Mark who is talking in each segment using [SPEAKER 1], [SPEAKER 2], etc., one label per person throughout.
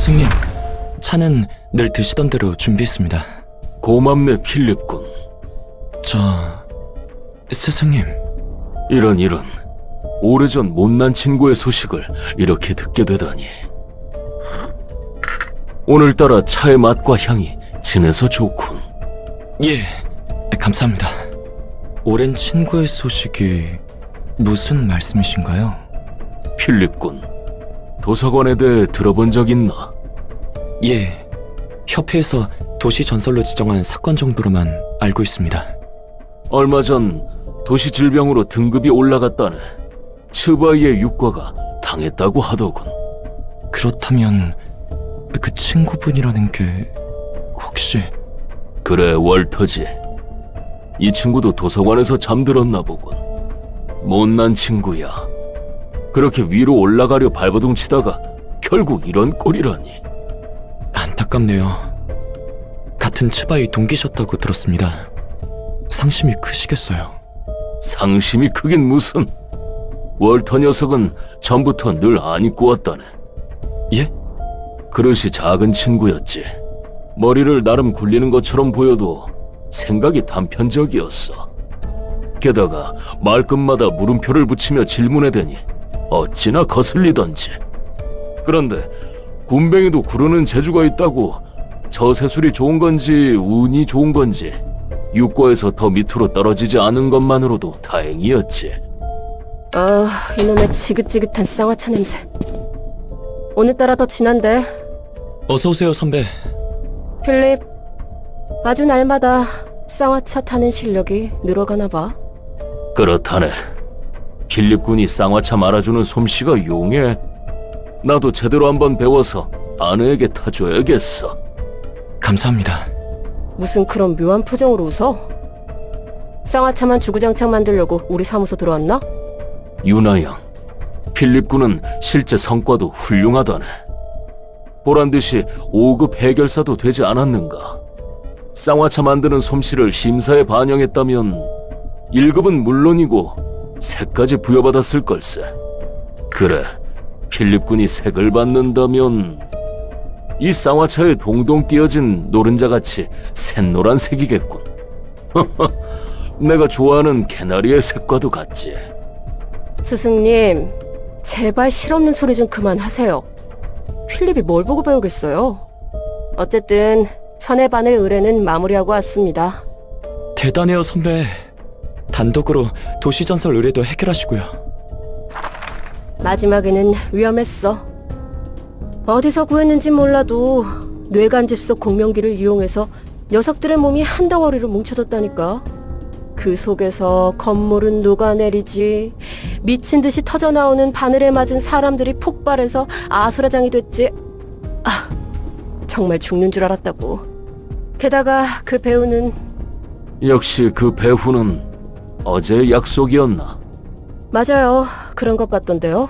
[SPEAKER 1] 스승님, 차는 늘 드시던 대로 준비했습니다.
[SPEAKER 2] 고맙네, 필립군.
[SPEAKER 1] 스승님.
[SPEAKER 2] 이런. 오래전 못난 친구의 소식을 이렇게 듣게 되다니. 오늘따라 차의 맛과 향이 진해서 좋군.
[SPEAKER 1] 예, 감사합니다. 오랜 친구의 소식이 무슨 말씀이신가요?
[SPEAKER 2] 필립군, 도서관에 대해 들어본 적 있나?
[SPEAKER 1] 예, 협회에서 도시 전설로 지정한 사건 정도로만 알고 있습니다.
[SPEAKER 2] 얼마 전 도시 질병으로 등급이 올라갔다네. 츠바이의 육과가 당했다고 하더군.
[SPEAKER 1] 그렇다면 그 친구분이라는 게 혹시...
[SPEAKER 2] 그래, 월터지. 이 친구도 도서관에서 잠들었나 보군. 못난 친구야. 그렇게 위로 올라가려 발버둥 치다가 결국 이런 꼴이라니.
[SPEAKER 1] 안타깝네요. 같은 츠바이 동기셨다고 들었습니다. 상심이 크시겠어요.
[SPEAKER 2] 상심이 크긴 무슨. 월터 녀석은 전부터 늘 안 입고 왔다네.
[SPEAKER 1] 예?
[SPEAKER 2] 그릇이 작은 친구였지. 머리를 나름 굴리는 것처럼 보여도 생각이 단편적이었어. 게다가 말끝마다 물음표를 붙이며 질문해대니 어찌나 거슬리던지. 그런데 군뱅이도 구르는 재주가 있다고 저세술이 좋은 건지 운이 좋은 건지 육과에서 더 밑으로 떨어지지 않은 것만으로도 다행이었지.
[SPEAKER 3] 이놈의 지긋지긋한 쌍화차 냄새. 오늘따라 더 진한데.
[SPEAKER 1] 어서오세요, 선배.
[SPEAKER 3] 필립, 아주 날마다 쌍화차 타는 실력이 늘어가나 봐.
[SPEAKER 2] 그렇다네. 필립군이 쌍화차 말아주는 솜씨가 용해. 나도 제대로 한번 배워서 아내에게 타줘야겠어.
[SPEAKER 1] 감사합니다.
[SPEAKER 3] 무슨 그런 묘한 표정으로 웃어? 쌍화차만 주구장창 만들려고 우리 사무소 들어왔나?
[SPEAKER 2] 유나양, 필립군은 실제 성과도 훌륭하다네. 보란듯이 5급 해결사도 되지 않았는가. 쌍화차 만드는 솜씨를 심사에 반영했다면 1급은 물론이고 색까지 부여받았을 걸세. 그래, 필립군이 색을 받는다면 이 쌍화차에 동동 띄어진 노른자같이 샛노란 색이겠군. 내가 좋아하는 개나리의 색과도 같지.
[SPEAKER 3] 스승님, 제발 실없는 소리 좀 그만하세요. 필립이 뭘 보고 배우겠어요? 어쨌든 천의 바늘 의뢰는 마무리하고 왔습니다.
[SPEAKER 1] 대단해요, 선배. 단독으로 도시전설 의뢰도 해결하시고요.
[SPEAKER 3] 마지막에는 위험했어. 어디서 구했는지 몰라도 뇌간집 속 공명기를 이용해서 녀석들의 몸이 한 덩어리로 뭉쳐졌다니까. 그 속에서 건물은 녹아내리지, 미친 듯이 터져나오는 바늘에 맞은 사람들이 폭발해서 아수라장이 됐지. 정말 죽는 줄 알았다고. 게다가 그 배우는...
[SPEAKER 2] 역시 그 배후는 어제의 약속이었나?
[SPEAKER 3] 맞아요. 그런 것 같던데요.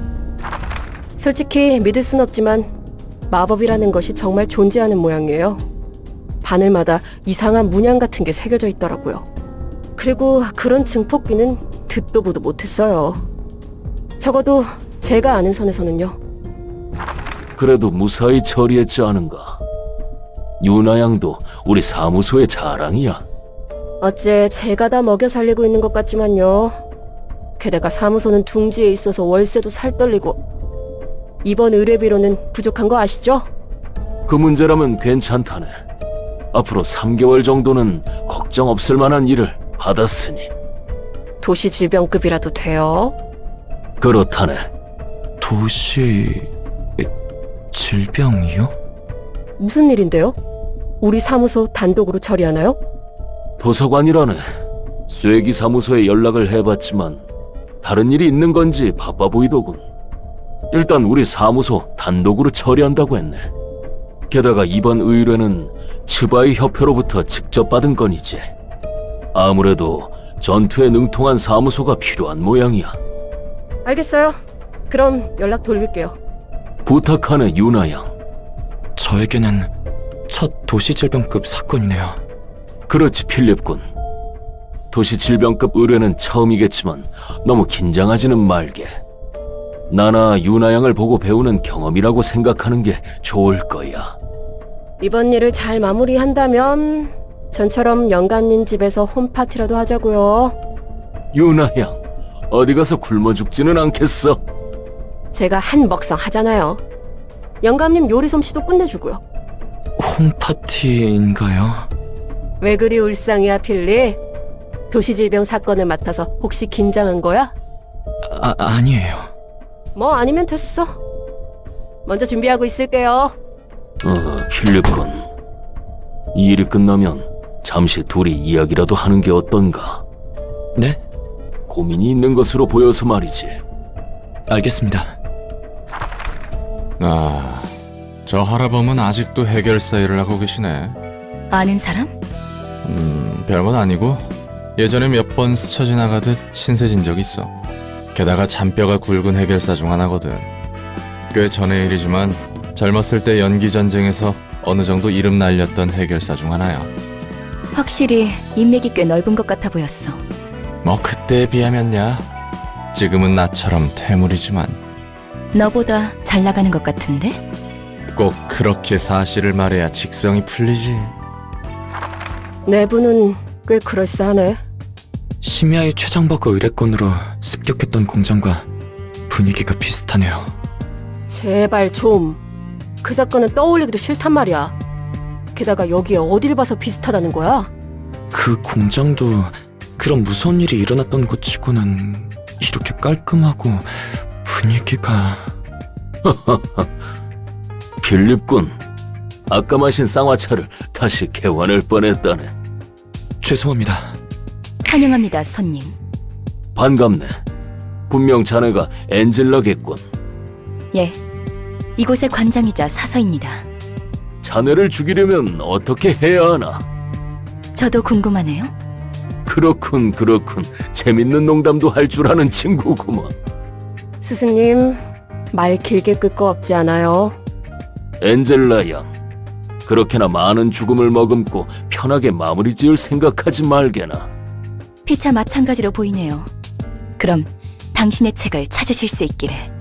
[SPEAKER 3] 솔직히 믿을 순 없지만 마법이라는 것이 정말 존재하는 모양이에요. 바늘마다 이상한 문양 같은 게 새겨져 있더라고요. 그리고 그런 증폭기는 듣도 보도 못했어요. 적어도 제가 아는 선에서는요.
[SPEAKER 2] 그래도 무사히 처리했지 않은가? 유나양도 우리 사무소의 자랑이야.
[SPEAKER 3] 어째 제가 다 먹여 살리고 있는 것 같지만요. 게다가 사무소는 둥지에 있어서 월세도 살떨리고 이번 의뢰비로는 부족한 거 아시죠?
[SPEAKER 2] 그 문제라면 괜찮다네. 앞으로 3개월 정도는 걱정 없을 만한 일을 받았으니.
[SPEAKER 3] 도시 질병급이라도 돼요?
[SPEAKER 2] 그렇다네.
[SPEAKER 1] 도시... 질병이요?
[SPEAKER 3] 무슨 일인데요? 우리 사무소 단독으로 처리하나요?
[SPEAKER 2] 도서관이라네. 쇠기 사무소에 연락을 해봤지만 다른 일이 있는 건지 바빠 보이더군. 일단 우리 사무소 단독으로 처리한다고 했네. 게다가 이번 의뢰는 츠바이 협회로부터 직접 받은 건이지. 아무래도 전투에 능통한 사무소가 필요한 모양이야.
[SPEAKER 3] 알겠어요. 그럼 연락 돌릴게요.
[SPEAKER 2] 부탁하네, 유나양.
[SPEAKER 1] 저에게는 첫 도시질병급 사건이네요.
[SPEAKER 2] 그렇지, 필립군. 도시 질병급 의뢰는 처음이겠지만 너무 긴장하지는 말게. 나나 유나 양을 보고 배우는 경험이라고 생각하는 게 좋을 거야.
[SPEAKER 3] 이번 일을 잘 마무리한다면 전처럼 영감님 집에서 홈파티라도 하자고요.
[SPEAKER 2] 유나 양, 어디 가서 굶어 죽지는 않겠어?
[SPEAKER 3] 제가 한 먹상 하잖아요. 영감님 요리 솜씨도 끝내주고요.
[SPEAKER 1] 홈파티인가요?
[SPEAKER 3] 왜 그리 울상이야, 필리? 도시질병 사건을 맡아서 혹시 긴장한 거야?
[SPEAKER 1] 아니에요.
[SPEAKER 3] 뭐 아니면 됐어. 먼저 준비하고 있을게요.
[SPEAKER 2] 필립군. 이 일이 끝나면 잠시 둘이 이야기라도 하는 게 어떤가?
[SPEAKER 1] 네?
[SPEAKER 2] 고민이 있는 것으로 보여서 말이지.
[SPEAKER 1] 알겠습니다.
[SPEAKER 4] 아, 저 할아범은 아직도 해결사 일을 하고 계시네.
[SPEAKER 5] 아는 사람?
[SPEAKER 4] 별건 아니고 예전에 몇 번 스쳐 지나가듯 신세진 적 있어. 게다가 잔뼈가 굵은 해결사 중 하나거든. 꽤 전의 일이지만 젊었을 때 연기 전쟁에서 어느 정도 이름 날렸던 해결사 중 하나야.
[SPEAKER 5] 확실히 인맥이 꽤 넓은 것 같아 보였어.
[SPEAKER 4] 뭐 그때에 비하면야. 지금은 나처럼 퇴물이지만
[SPEAKER 5] 너보다 잘 나가는 것 같은데?
[SPEAKER 4] 꼭 그렇게 사실을 말해야 직성이 풀리지.
[SPEAKER 3] 내부는 꽤 그럴싸하네.
[SPEAKER 1] 심야의 최장버거 의뢰건으로 습격했던 공장과 분위기가 비슷하네요.
[SPEAKER 3] 제발 좀. 그 사건은 떠올리기도 싫단 말이야. 게다가 여기에 어딜 봐서 비슷하다는 거야?
[SPEAKER 1] 그 공장도 그런 무서운 일이 일어났던 곳 치고는 이렇게 깔끔하고 분위기가...
[SPEAKER 2] 필립군. 아까 마신 쌍화차를 다시 개환할 뻔했다네.
[SPEAKER 1] 죄송합니다.
[SPEAKER 5] 환영합니다, 손님.
[SPEAKER 2] 반갑네. 분명 자네가 엔젤라겠군.
[SPEAKER 5] 예, 이곳의 관장이자 사서입니다.
[SPEAKER 2] 자네를 죽이려면 어떻게 해야 하나?
[SPEAKER 5] 저도 궁금하네요.
[SPEAKER 2] 그렇군. 재밌는 농담도 할 줄 아는 친구구먼.
[SPEAKER 3] 스승님, 말 길게 끌 거 없지 않아요?
[SPEAKER 2] 엔젤라 양, 그렇게나 많은 죽음을 머금고 편하게 마무리 지을 생각하지 말게나.
[SPEAKER 5] 피차 마찬가지로 보이네요. 그럼 당신의 책을 찾으실 수 있기를.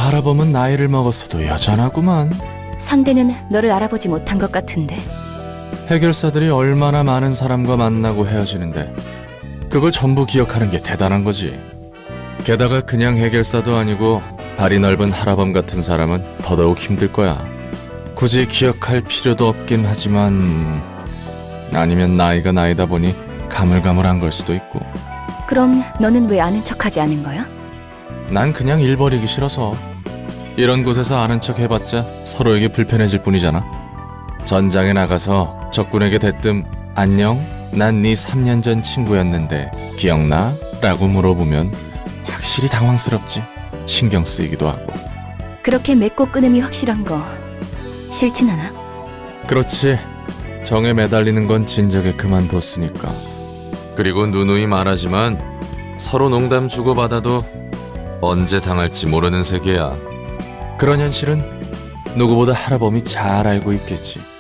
[SPEAKER 4] 하라범은 나이를 먹었어도 여전하구만.
[SPEAKER 5] 상대는 너를 알아보지 못한 것 같은데.
[SPEAKER 4] 해결사들이 얼마나 많은 사람과 만나고 헤어지는데 그걸 전부 기억하는 게 대단한 거지. 게다가 그냥 해결사도 아니고 발이 넓은 하라범 같은 사람은 더더욱 힘들 거야. 굳이 기억할 필요도 없긴 하지만 아니면 나이가 나이다 보니 가물가물한 걸 수도 있고.
[SPEAKER 5] 그럼 너는 왜 아는 척하지 않은 거야?
[SPEAKER 4] 난 그냥 일 버리기 싫어서. 이런 곳에서 아는 척 해봤자 서로에게 불편해질 뿐이잖아. 전장에 나가서 적군에게 대뜸 안녕? 난 네 3년 전 친구였는데 기억나? 라고 물어보면 확실히 당황스럽지. 신경 쓰이기도 하고.
[SPEAKER 5] 그렇게 맺고 끊음이 확실한 거 싫진 않아?
[SPEAKER 4] 그렇지. 정에 매달리는 건 진작에 그만뒀으니까. 그리고 누누이 말하지만 서로 농담 주고받아도 언제 당할지 모르는 세계야. 그런 현실은 누구보다 하라범이 잘 알고 있겠지.